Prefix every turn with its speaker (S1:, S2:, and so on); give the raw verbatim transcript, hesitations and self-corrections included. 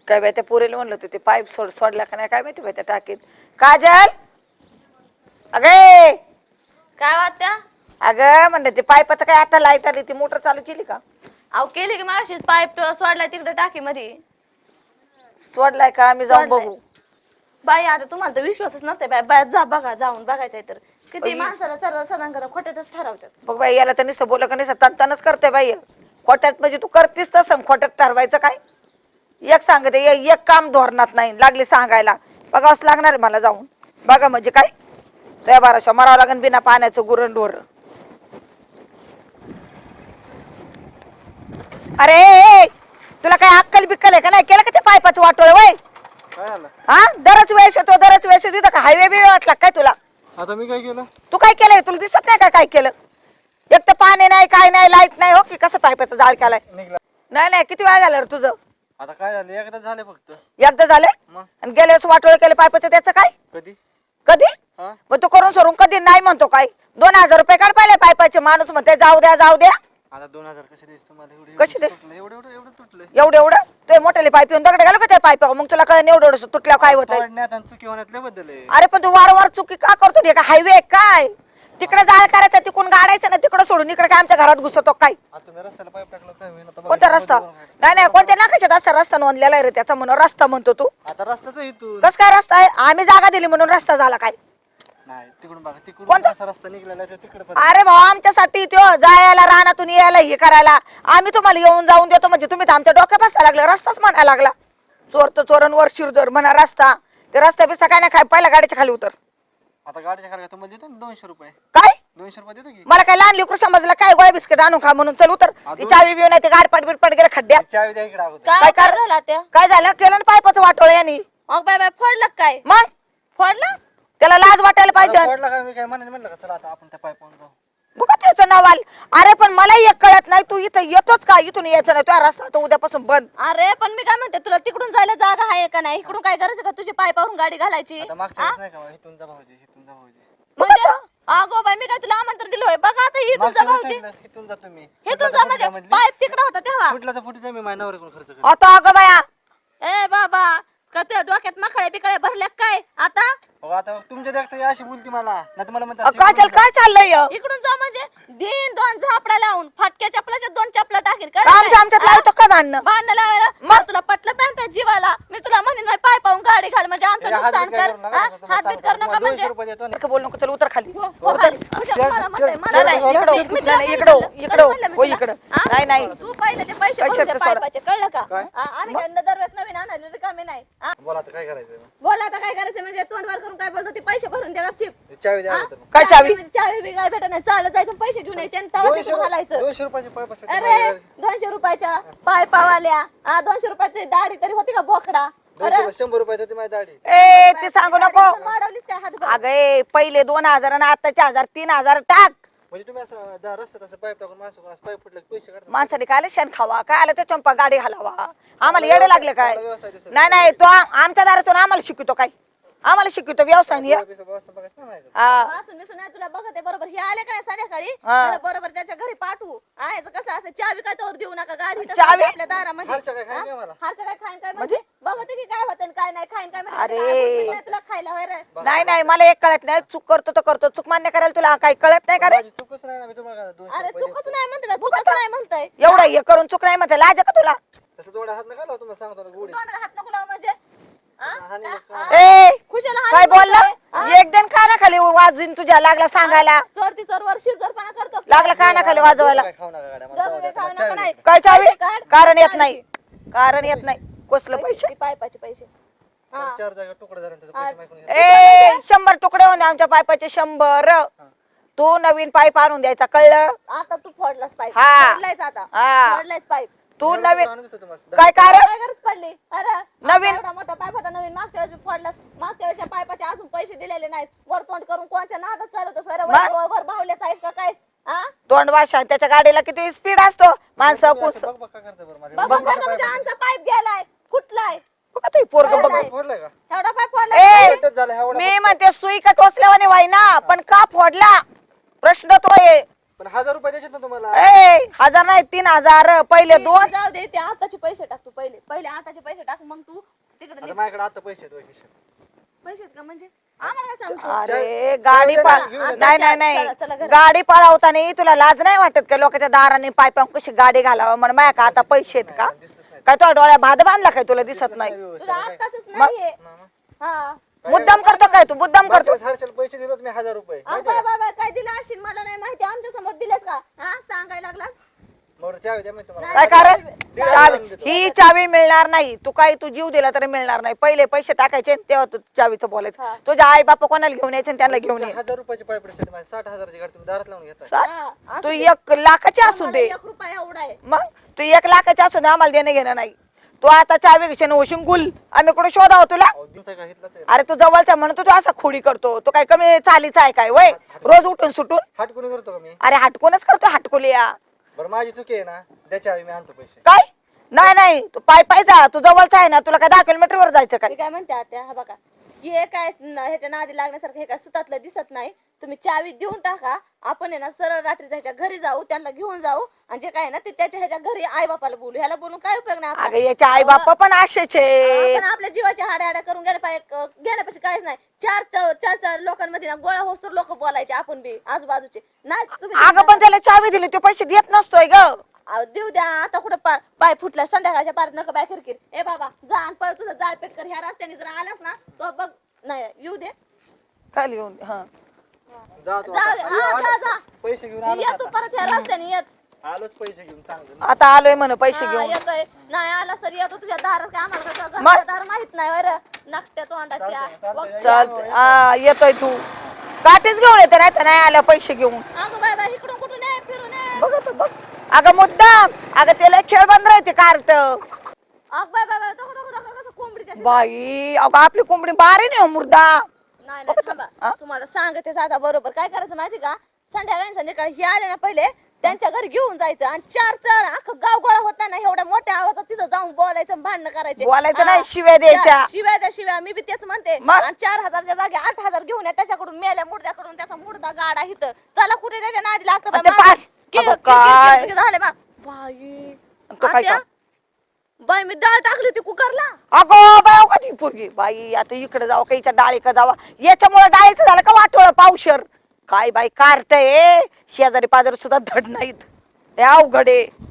S1: काय बाई त्या पुरेला म्हणलं होतं ते पाईप सोड सोडला का नाही काय माहिती बाई त्या टाकीत. काजल अगे
S2: काय वाटत्या?
S1: अगं म्हणलं ते पाईपाचं काय आता लाईट आली ती मोटर चालू केली का?
S2: अहो केली की मागाशीच पाईप सोडलाय तिकडे टाकी मध्ये.
S1: सोडलाय का? आम्ही जाऊन बघू.
S2: बाई आता तुम्हाला तर विश्वासच नसते बाई. बाय जा बघा जाऊन बघायचंय तर किती
S1: बाई.
S2: माणसाला सरळ सदान कदा खोट्यातच ठरवतात.
S1: बघ बाई याला तर नुसतं बोल का नुसतं तनतनच करते बाई. खोट्यात म्हणजे तू करतीस तसं खोट्यात ठरवायचं काय? एक सांगते ए- एक काम धोरणात नाही लागली सांगायला. बघावंच लागणार आहे मला जाऊन बघा म्हणजे काय त्या बाराशा मरावं लागेल बिना पाण्याचं गुरण ढोर. अरे ए, तुला काय अक्कल बिक्कल आहे का नाही? केलं का ते पायपाचं वाटोळ वय?
S3: काय झालं?
S1: हा दरच वेळेस येतो दरच वेळेस येतो का हायवे बी वाटला काय तुला?
S3: आता मी काय केलं?
S1: तू काय केलंय? तुला दिसत नाही का काय केलं? एक तर पाणी नाही काय नाही लाईट नाही हो की कसं पायपाचं जाळ केलाय?
S3: निघला.
S1: नाही नाही किती वेळा झालं रे तुझं?
S3: आता काय झालं? एकदा झाले फक्त.
S1: एकदा झाले
S3: मग
S1: आणि गेल्या वेळेस वाटोळ केलं पायपाचं त्याचं काय?
S3: कधी?
S1: कधी?
S3: हा?
S1: मग तू करून सोडून कधी नाही म्हणतो काय? दोन हजार रुपये काढ पाहिले पायपाचे माणूस म्हणते जाऊ द्या जाऊ द्या.
S3: आता दोन हजार कसे देस तुम्हाला? एवढे
S1: कसे दे?
S3: तुटले एवढे एवढे एवढे तुटले.
S1: एवढं एवढं ते मोठ्याले पाईप येऊन दगड घालू का त्या पाईप मग तुला कळलं एवढं एवढं तुटल्यावर काय होतं?
S3: तोडण्यात आणि चुकी होण्यात लय बदल आहे.
S1: अरे पण तू वारंवार चुकी का करतो? हे का हायवे काय? तिकडे जाळ करायचं तिकडून गाडायचं ना तिकडे सोडून इकडे काय आमच्या घरात घुसतो काय?
S3: आता तुम्ही रस्त्याला पाईप टाकलं काय होईल? आता बघा,
S1: कोणता रस्ता? नाही नाही कोणत्या नाकाशात असा रस्ता नोंदलेला आहे रे त्याचा म्हणून रस्ता म्हणतो तू.
S3: आता रस्ताच आहे इथून.
S1: कस काय रस्ता आहे? आम्ही जागा दिली म्हणून रस्ता झाला काय?
S3: नाही तिकडून बघा तिकडून
S1: कोणता?
S3: कसा रस्ता निघालेला आहे तिकडे पण.
S1: अरे भाऊ आमच्यासाठी तो जायला रानातून यायला हे करायला आम्ही तुम्हाला येऊन जाऊन देतो म्हणजे तुम्ही तर आमच्या डोक्यात बसायला लागला रस्ताच म्हणायला लागला. चोर तर चोरांवर शिरजोर म्हणा रस्ता ते रस्ता बिस्ता काय नाही काय पहिल्या गाडीच्या खाली उतर.
S3: आता गाडीच्या खाली तुम्हाला देतो ना दोनशे रुपये.
S1: काय
S3: दोनशे रुपये देतो की?
S1: मला काय लहान लेकरू समजलं काय गोळ्या बिस्किट आणून खा म्हणून चल उतर. ती चावी बिव नाही ते गाडपाट बिडपाट गेलं खड्ड्यात.
S3: चावी द्या इकडे अगोदर.
S2: काय
S1: काय
S2: काय
S1: कर-
S2: झालं त्या?
S1: काय झालं केलं ना पायपाचं वाटोळ यांनी
S2: मग बाय बाय फोडलं काय?
S1: मग
S2: फोडलं?
S1: त्याला लाज वाटायला पाहिजे.
S3: फोडला काय? मी काय म्हणे म्हणलं का चला आता आपण त्या पाईपावर जाऊ.
S1: बघा त्याचं नाव आलं. अरे पण मला एक कळत नाही तू इथं येतोच का? इथून यायचं नाही तुझा रस्ता तर उद्यापासून बंद.
S2: अरे पण मी काय म्हणते तुला तिकडून जायला जागा आहे का नाही? इकडून काय गरज आहे का तुझी पायपावरून गाडी घालायची?
S3: आता मागच्या वेळेस नाही का बा, इथून जा भाऊजी इथून जा भाऊजी.
S2: म्हणजे अगो बाई मी काय तुला आमंत्रण दिलं होय? बघा आता इथून जा
S3: मागच्या वेळेस
S2: भाऊजी.
S3: सांगितलं, इथून जा तुम्ही.
S2: इथून जा म्हणजे पाईप तिकडे होता तेव्हा.
S3: फुटला तर फुटी मी माझ्या नवऱ्याकडून खर्च करेन.
S1: आता अगं बाया
S2: ए बाबा का तुझ्या डोक्यात मखळे बिकळे भरल्या काय आता?
S3: अहो, आता तुमच्या देखता अशी बोलती मला नाही तुम्हाला म्हणता
S1: अ, काय चाल काय चाललंय य?
S2: इकडून जा म्हणजे दिन दोन झापडा लावून फाटक्या चपलाच्या दोन चपला टाकेल का?
S1: आमच्या आमच्यात लावतो काय भांडणं?
S2: भांडण लावायला मग तुला पटलं पाहिजे जीवाला. मी तुला म्हणेन नाही पाय पाहून गाडी घाल म्हणजे आमचं नुकसान कर. हा? हातबीत करू नका म्हणजे.
S3: दोनशे रुपये देतो ना.
S1: इकडं बोल नको चल उतर खाली.
S2: हो, हो, खाली. म्हणजे मला म्हणतंय, मला
S1: नाही,
S2: नाही.
S1: इकडं,
S2: मी तुला
S1: नाही,
S2: सांगितलं.
S1: इकडं, इकडं,
S2: कधी म्हणलं मी
S1: हो,
S2: तुला?
S1: इकडं.
S2: हा?
S1: नाही, नाही.
S2: तू पहिले ते पैसे
S1: पैसे
S2: भरून दे
S1: तर सोडा.
S2: पायपाचे कळलं का?
S3: काय?
S2: हा, आम्ही काय दरवेळेस नवीन आणायला रिकामे नाही. हा?
S3: बोला आता काय करायचं
S2: बोला आता काय करायचं म्हणजे तोंडवर करून काय बोलतो ते पैसे भरून द्या गपचीप.
S3: चावी द्या
S2: हा?
S3: अगोदर.
S1: काय चावी?
S2: म्हणजे चावी बी काय भेटत नाही. चालत जायचं आणि पैसे घेऊन यायचे आणि तवा
S3: दोनशे
S2: तिकडून घालायचं.
S3: दोनशे रुपयाची पाईप असेल
S2: अरे दोनशे रुपयाच्या पाय पावाल्या हा दोनशे रुपयाची दाढी तरी होती का बोकडा?
S3: दोनशे रुपये- शंभर रुपयाची होती माझी दाढी.
S1: ए ते सांगू नको.
S2: वाढवलीस काय हातभर?
S1: अगं ए, पहिले दोन हजार आणि आताचे हजार तीन हजार टाक.
S3: म्हणजे तुम्ही असं दा- रस्त्यात असं पाईप टाकून माणसं कोण असं पाईप फुटलं की पैसे काढतात.
S1: माणसाने काय आलं शेण खावा काय आलं ते चंपा गाडी घालावा आम्हाला येडे लागले काय?
S3: मला व्यवसाय दिसत
S1: नाही नाही तो आम- आमच्या दारातून आम्हाला शिकवतो काय? आम्हाला शिकवतो व्यवसाय नाही.
S3: पैसे बघायचं बघायचं नाही माझ्याकडे.
S1: हा.
S2: असून बिसून नाही तुला बघते बरोबर हे आले काय संध्याकाळी
S1: हा.
S2: त्याला बरोबर त्याच्या घरी पाठवू. आहेच कसं असं चावी काय तोवर देऊ नका गाडी इथं
S1: चावी?
S2: आपल्या दारामध्ये.
S3: हारच्या काय खायला नाही मला.
S2: हारचं काय खाईन काय म्हणजे बघते की काय होतं आणि काय नाही खाईन काय म्हणजे
S1: अरे.
S2: काय होत नाही तुला खायला होय रे.
S1: नाही नाही मला एक कळत नाही चूक करतो तर करतो चूक मान्य करायला तुला काही कळत नाही का रे?
S3: माझी चूकच नाही ना मी तुम्हाला काय दोनशे
S2: अरे
S3: रुपये
S2: चुकच
S3: देतो.
S2: नाही म्हणते चुकच नाही म्हणतोय.
S1: एवढं हे करून चूक नाही म्हणते लाज आहे का तुला?
S3: तसं थोडा हात नका लावू तुम्हाला सांगतो ना गोडी.
S2: तोंडाला हात नको लावू म्हणजे हा?
S3: हानी नका.
S2: हा?
S1: ए
S2: खुशाला
S1: काय
S2: हात
S1: बोलला?
S2: म्हणतोय.
S1: एक दिन काना खाली वाजून तुझ्या लागला सांगायला
S2: चोर ती चोर वर शिरजोरपणा करतो.
S1: लागला काना खाली वाजवायला.
S3: काय खाऊ नका गाड्या मला
S2: दोघं
S3: जाऊ
S2: काही
S3: द्या,
S2: खाऊ
S3: मला
S2: नका
S3: चावी
S2: नाही.
S3: द्या.
S1: काय चावी?
S2: पैसे काढ.
S1: कारण येत
S2: चावी.
S1: नाही कारण येत नाही कसलं
S2: पैसे
S1: पैसे?
S2: ती पायपाचे पैसे हा.
S3: तर चार जागा तुकडे झाले त्याचे
S2: हा.
S3: पैसे मागून घ्या.
S1: ए शंभर तुकडे होते आमच्या पायपाचे शंभर. तू नवीन पाईप आणून द्यायचा कळलं?
S2: आता तू फोडलास पाईप
S1: हा.
S2: फोडलायच आता
S1: हा.
S2: फोडलायच पाईप.
S1: तू
S3: एवढं
S1: नवीन
S3: आणून देतो तुम्हाला.
S1: काय काय रे?
S2: काय गरज पडली? अरे
S1: नवीन-
S2: आता एवढा मोठा पाईप होता नवीन मागच्या वेळेस फोडलास. मागच्या वेळेसच्या पाईपाचे अजून पैसे दिलेले नाहीत. वर तोंड करून कोणच्या नादात चालवतोस वर
S1: मग?
S2: वर- वर भावल्याच आहेस का काय? हा
S1: तोंड वाशा त्याच्या गाडीला किती स्पीड असतो माणसं
S3: तुम्ही
S1: कुस
S3: असं बघ बघ काय करता बरं माझ्या.
S2: बाबा
S3: बघ
S2: बघा
S3: बघ
S2: म्हणजे
S3: काय
S2: आमचा पाईप गेलाय फुटलाय.
S1: बघा तू पोरग बघ
S2: नाही.
S3: फोडलंय का?
S2: एवढा पाईप
S1: ए!
S2: फोडलाय.
S3: एकच झालं एवढा
S1: मी
S3: फक्त.
S1: म्हणते सुई का टोचल्यावाने वाई ना पण का फोडला प्रश्न तो आहे.
S3: पण हजार रुपये द्यायचे ना तुम्हाला.
S1: ए हजार नाही तीन हजार पहिले
S2: ते
S1: दोन.
S2: जाऊ दे ते आताचे पैसे टाक तू पहिले पहिले आताचे पैसे टाक मग तू तिकडे
S3: आता माझ्याकडे आता पैसे आहेत वैशिष्ट्य.
S2: पैसे आहेत का म्हणजे आम्हाला काय सांगतो
S1: अरे गाडी
S3: चला,
S1: पा-
S3: घेऊन ये.
S1: नाही नाही नाही
S2: चला, चला घरात.
S1: गाडी पळवताना तुला लाज नाही वाटत का लोकांच्या दाराने पाय पाय कशी गाडी घालावं म्हणून माझ्या का आता पैसे आहेत का
S3: दिसलंच नाही.
S1: काय तुझ्या डोळ्या भात बांधला काय तुला दिसत
S3: दिसलंच
S1: नाही
S3: व्यवस्थित.
S2: तुला
S3: काय?
S2: आताच
S1: मग-
S2: नाहीये
S3: ना, ना.
S2: हा
S1: मुद्दाम करतो काय तू मुद्दाम
S3: मागच्या
S1: करतो
S3: वेळेस हर्षल पैसे दिले होते मी हजार रुपये
S2: अहो,
S3: माहितीये
S2: बाय
S3: का?
S2: बाय बाय काय दिलं असेल मला नाही माहिती आमच्या समोर दिलेस का हा सांगायला लागलास
S3: मग चावी द्या मी तुम्हाला.
S1: काय
S2: नाही,
S1: कारण
S3: दीड
S1: चावी
S3: हजार देतो.
S1: ही चावी मिळणार नाही तू काही तू जीव दिला तरी मिळणार नाही पहिले पैसे टाकायचे आणि तेव्हा तू चावीचं
S2: हा.
S1: बोलायचं तुझ्या आई बापा कोणाला घेऊन यायचे आणि त्यांना घेऊन ये
S3: तुमच्या हजार रुपयाचे पाईप साठी माझी साठ हजाराची गाडी तुम्ही दारात लावून घेताय.
S1: सा-
S2: हा, असू
S1: तू
S2: दे.
S1: एक लाखाची असू
S2: आम्हाला
S1: दे
S2: एक रुपया एवढा आहे
S1: मग तू एक लाखाची असू दे आम्हाला देणं घेणं नाही तू आता चावी घेशील होशील गुल आम्ही कुठे शोधावं तुला
S3: अहो, दिवसा का हितलाच आहे.
S1: अरे तू जवळचा म्हणून तू असा खोडी करतो तू काय कमी चालीचा आहे काय वय रोज उठून सुटून
S3: हाट कोणी करतो का मी?
S1: अरे हटकूनच करतो हटकुलिया
S3: बरं माझी चुकी आहे ना द्या चावी मी आणतो पैसे.
S1: काय नाही नाही तू पाय पाय जा तू जवळचा आहे ना तुला काय दहा किलोमीटर वर जायचं काय
S2: मी काय म्हणते आता हा बघा हे काय न- ह्याच्या नादी लागण्यासारखं हे काय सुतातलं दिसत नाही तुम्ही चावी देऊन टाका आपण आहे ना सरळ रात्री ह्याच्या घरी जाऊ त्यांना घेऊन जाऊ आणि जे काय आहे ना ते त्याच्या ह्याच्या घरी आई बापाला बोलू ह्याला बोलून काय उपयोग नाही
S1: अगं
S2: आपला.
S1: याचे आई बाप पण असेच आहे
S2: आपण आपल्या जीवाच्या हाड्या हाड्या करून गेल्या पाहिजे गेल्यापाशी काहीच नाही चार चार चार चार लोकांमध्ये ना गोळा होस्तोर लोक बोलायचे आपण बी आजूबाजूचे नाही तुम्ही
S1: अगं पण त्याला चावी दिली ते पैसे देत नसतोय ग
S2: अहो, देऊ द्या आता कुठं पा- पाय फुटला संध्याकाळच्या पार नका बाय किरकिर ए बाबा जा आणि पळ तुझं जाळ पेट कर ह्या रस्त्याने जर आलास ना तो बघ नाही येऊ दे
S1: काय लिहून हा
S3: जा तू
S2: जा
S3: आता.
S2: दे.
S3: आलो,
S2: हा, जा,
S3: आलो.
S2: जा.
S3: पैसे घेऊन आलो
S2: ये तू
S3: आता.
S2: परत ह्या रस्त्याने येत
S3: आलोच पैसे घेऊन चांगलं.
S1: आता आलोय म्हण पैसे
S2: हा,
S1: घेऊन
S2: येतोय नाही आला सर येतो तुझ्या दारात काय आम्हाला कसं
S1: मग?
S2: घरचं दार माहित नाही बरं नाकट्या तोंडाच्या
S3: चालतंय, चालतंय.
S2: वक्त्या.
S1: चालत हा येतोय तू काठीच घेऊन येते नाही तर नाही आल्या पैसे घेऊन
S2: अगं बाय बाय इकडून कुठून ये फिरून ये
S1: बघ आता बघ अगं मुद्दाम अगं त्याला खेळ बंद राहते कार्ट
S2: अग बाय बाय बाय तो तो तो कसं कोंबडी त्याची.
S1: बाई अगं आपली कोंबडी बारे नाही हो मुर्दा
S2: नाही नाही
S1: हा?
S2: थांबा तुम्हाला सांगते आता बरोबर काय करायचं माहिती का संध्याकाळी संध्याकाळी हे आले ना पहिले त्यांच्या घरी घेऊन जायचं आणि चार चार अख्खं गाव गोळा होता ना एवढ्या मोठ्या आवाजात तिथं जाऊन बोलायचं आणि भांडणं करायचे
S1: बोलायचं
S2: हा.
S1: नाही शिव्या द्यायच्या
S2: चार- शिव्या द्या शिव्या मी बी तेच म्हणते
S1: मग?
S2: आणि चार हजारच्या जागी आठ हजार घेऊन या त्याच्याकडून मेल्या मुर्द्याकडून त्याचा मुर्दा गाडा हिथं चला कुठे त्याच्या नादी लागतं
S1: आणि ते
S2: बाई,
S1: पाय-
S2: कि-
S1: अगं
S2: कि- कि-
S1: काय?
S2: कि- कि- झाले बा बाई
S1: तो काय
S2: आत्या, बाई मी डाळ टाकली होती कुकरला
S1: अगो बाय का ती पोरगी बाई आता इकडे जावं काहीच्या डाळीकडे जावा याच्यामुळे डाळीचं झालं का वाटोळ पावशर काय बाई कार्ट आहे शेजारी पाजारी सुद्धा धड नाहीत हे अवघड आहे